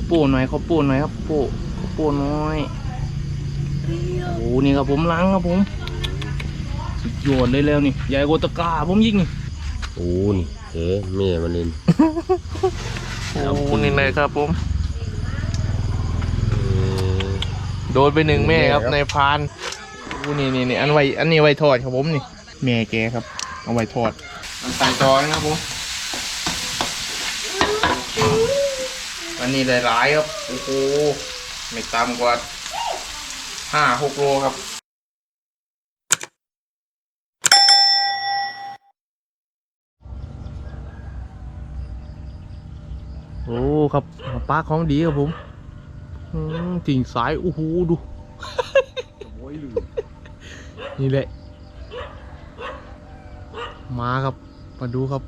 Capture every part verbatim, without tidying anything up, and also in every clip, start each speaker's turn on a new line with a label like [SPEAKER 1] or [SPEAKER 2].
[SPEAKER 1] ปูหน่อยข้าวปูหน่อยครับปูข้าวปูน้อยโอ้นี่ครับผมล้างครับผมสุดยอดเลยแล้วนี่ใหญ่กว่าตะกร้าผมยิ่งนี่
[SPEAKER 2] โอ้นี่เฮ้แม่มันเล่น
[SPEAKER 1] โอ้นี่เลยครับผมโดนไปหนึ่งแม่ครับในพานโอ้นี่นี่นี่อันไว้อันนี้ไว้ทอดครับผมนี่แม่แกครับเอาไว้ทอดมันใส่จอนะครับผมอันนี้หลายๆครับโอ้โหไม่ต่ำกว่าห้าหกโลครับโอ้ครับปลาของดีครับผมติ่งสายโอ้โหดู นี่แหละมาครับมาดูครับ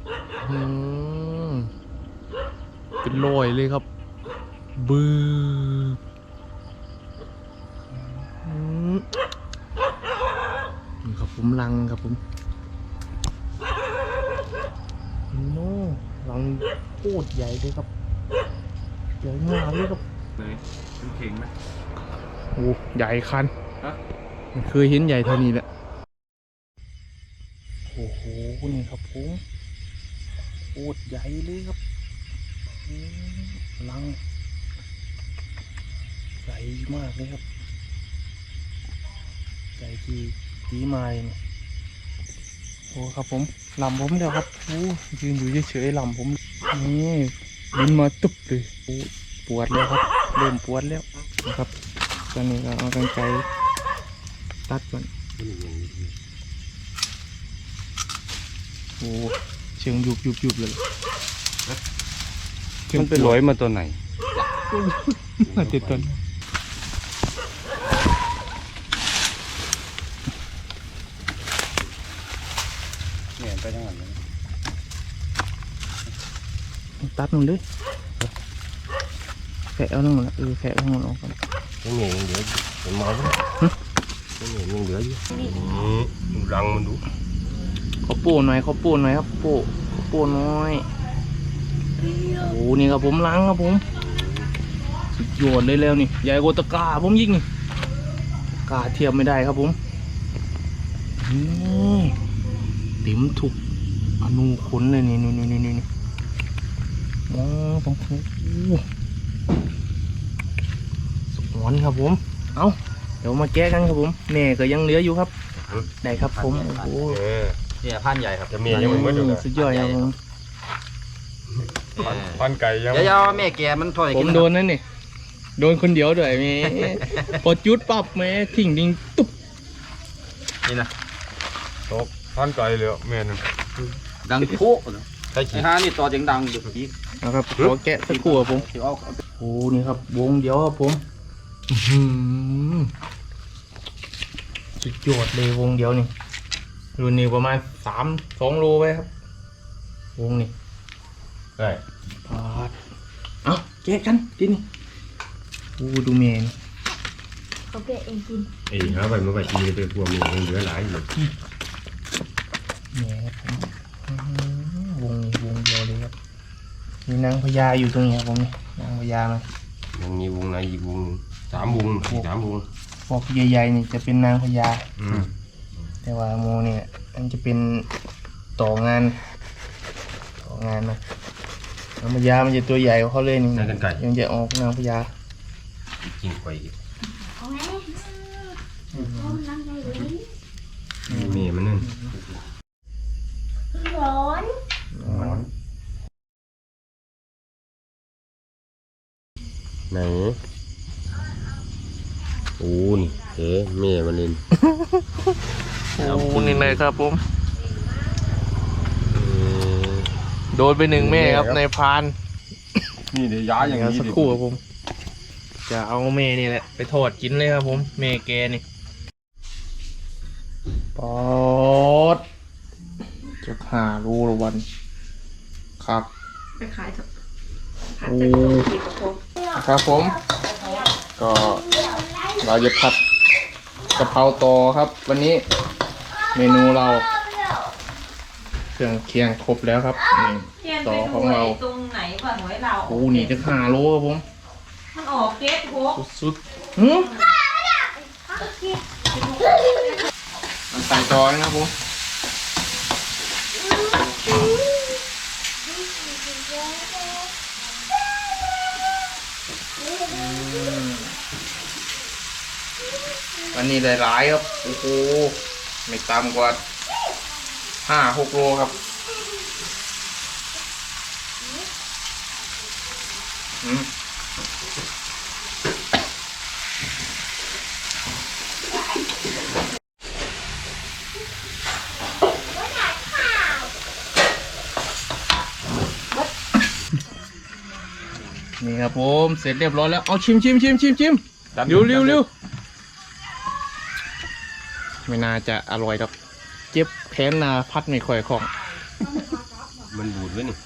[SPEAKER 1] เป็นรอยเลยครับบื้อนี่ครับผมลังครับผมโน่ลังโคตรใหญ่เลยครับใหญ่มากเลยครับ
[SPEAKER 3] เลยเป็นเข่งไหม
[SPEAKER 1] โอ้ใหญ่คันมันเคยเห็นใหญ่เท่านี้แหละโอ้โหนี่ครับผมโคตรใหญ่เลยครับลังใหญ่มากเลยครับใหญ่ที่ตีมาเลยนี่โอ้ครับผมลำผมเดียวครับโอ้ยืนอยู่เฉยๆลำผมนี่บินมาตุ๊บเลยโอ้ปวดแล้วครับเริ่มปวดแล้วนะครับตอนนี้เราเอากรรไกรตัดก่อนโอ้เชิงยุบยุบยุบเลย
[SPEAKER 2] มันไปลอยมาตัวไหน
[SPEAKER 1] มาติดต้น
[SPEAKER 2] เนี่ยไปทางไหน
[SPEAKER 1] ตัดมันเลยแขะเอานั่งเออแขะเอานั่งออกก่อน
[SPEAKER 2] ยังเหนื่อยยังเหลือเป็นมอมั้ยยังเหนื่อยยังเหลืออยู่ดูรังมันดู
[SPEAKER 1] ข้าวปูหน่อยข้าวปูหน่อยครับปูข้าวปูน้อยโอ้นี่ครับผมล้างครับผมสุดยอดเลยแล้วนี่ใหญ่กว่าตะกร้าผมยิ่งนี่กร้าเทียบไม่ได้ครับผมนี่เต็มถุกอนูขนเลยนี่นี่นี่นี่นี่มองตรงนี้สมวนครับผมเอาเดี๋ยวมาแก้กันครับผมแม่ก็ยังเหลืออยู่ครับได้ครับผมโอ้
[SPEAKER 3] เนี่ยพันใหญ่ครับ
[SPEAKER 2] จะมียังไม่หมดเลย
[SPEAKER 1] สุดยอดครับผม
[SPEAKER 2] พันไก่ยัง
[SPEAKER 3] เดี๋ยวแม่แกมันถอย
[SPEAKER 1] ผมโดนนั่นนี่โดนคนเดียวด้วยแม่พอจุดปั๊บแม่ทิ้งดิ้งตุ๊บ
[SPEAKER 3] นี่นะ
[SPEAKER 2] ตกพันไก่เลยแม่นึง
[SPEAKER 3] ดังโป๊ะไอ้ฮานี่ต่อเสียงดังอยู่พี่
[SPEAKER 1] นะครับขอแกะสักครู่ครับผมโอ้นี่ครับวงเดียวครับผมสุดยอดเลยวงเดียวนี่รุ่นนี้ประมาณสามสองโลไปครับวงนี่
[SPEAKER 2] ได้
[SPEAKER 1] พอดเอาแกะกันกินโอ้ดูเมน
[SPEAKER 4] เขาแกะเองกิน
[SPEAKER 2] เอ้ยครับไปเมื่อไหร่กินเป็นพวงมีเหลือหลายอยู่
[SPEAKER 1] เมนวงวงเดียวเลยครับมีนางพญาอยู่ตรงนี้ครับผมนี่นางพญามา
[SPEAKER 2] ยังมีวงไหนอีกวงสามวงสามวง
[SPEAKER 1] พวกใหญ่ๆนี่จะเป็นนางพญาแต่ว่าโมเนี่ยมันจะเป็นต่องานต่องานนะนางพญามันจะตัวใหญ่กว่าเขาเลยนี่ยังจะออกนางพญา
[SPEAKER 2] จริงไปนี่มันนั่น
[SPEAKER 4] ร้อน
[SPEAKER 2] ร้อนไหนโอ้นี่เฮ้แม่มันเล่น
[SPEAKER 1] โอ้นี่เลยครับผมโดนไปหนึ่งแม่ครับในพาน
[SPEAKER 2] นี่เดี๋ยวย้ายอย่างนี้
[SPEAKER 1] สักครู่ครับผมจะเอาแม่นี่แหละไปทอดกินเลยครับผมแม่แกนี่ปอดจะหารูละวันครับ
[SPEAKER 4] ไปขายเถอะ
[SPEAKER 1] โอ้ครับผมก็เราจะผัดกะเพราตอครับวันนี้เมนูเราเครื่องเคียงครบแล้วครับนี่ตอของเรา
[SPEAKER 4] ตรงไหนกว่าหวยเรา
[SPEAKER 1] โอ้นี่จะหาโลครับผม
[SPEAKER 5] อ๋อเก็บหก
[SPEAKER 1] สุดๆหืมใส่จอยนะครับผมวันนี้ได้หลายครับโอ้โหไม่ต่ำกว่าห้าหกโลครับอืมนี่ครับผมเสร็จเรียบร้อยแล้วเอาชิมชิมชิมชิมชิมเร็วเร็วเร็วไม่น่าจะอร่อยครับเจ็บแค้นนาพัดไม่ค่อยคล่อง
[SPEAKER 2] มันบูดไว้นี่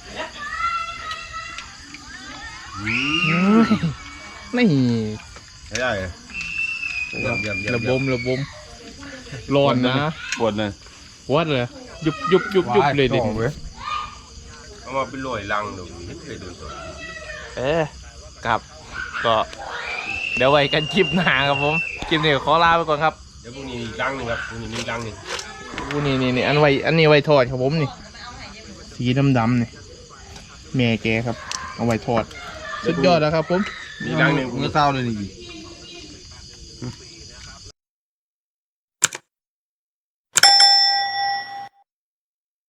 [SPEAKER 1] นี่
[SPEAKER 2] ใช้ได้เลยเยี่ยมเยี่ยมเยี่ยม
[SPEAKER 1] ระบมระบมร้อนนะ
[SPEAKER 3] ปวดเลย
[SPEAKER 1] วัดเลยยุบยุบยุบยุบเลยดิ
[SPEAKER 2] เอามาเป็นลอยลังดูไม่เคยโดนตัว
[SPEAKER 1] เอ๊ะครับก็เดี๋ยวไว้กันคลิปหน้าครับผมคลิปนี้ขอลาไปก่อนครับ
[SPEAKER 2] เดี๋ยวพรุ่งนี้อีกลังหนึ่งครับพรุ่งนี้มีอีกลังหนึ่ง
[SPEAKER 1] อู้นี่นี่นี่อันไว้อันนี้ไว้ทอดครับผมนี่สีดำดำนี่แม่แกครับเอาไว้ทอดสุดยอดแล้วครับผม
[SPEAKER 2] มีอีกลังหนึ่ง
[SPEAKER 3] เมื่อเช้าเลยนี่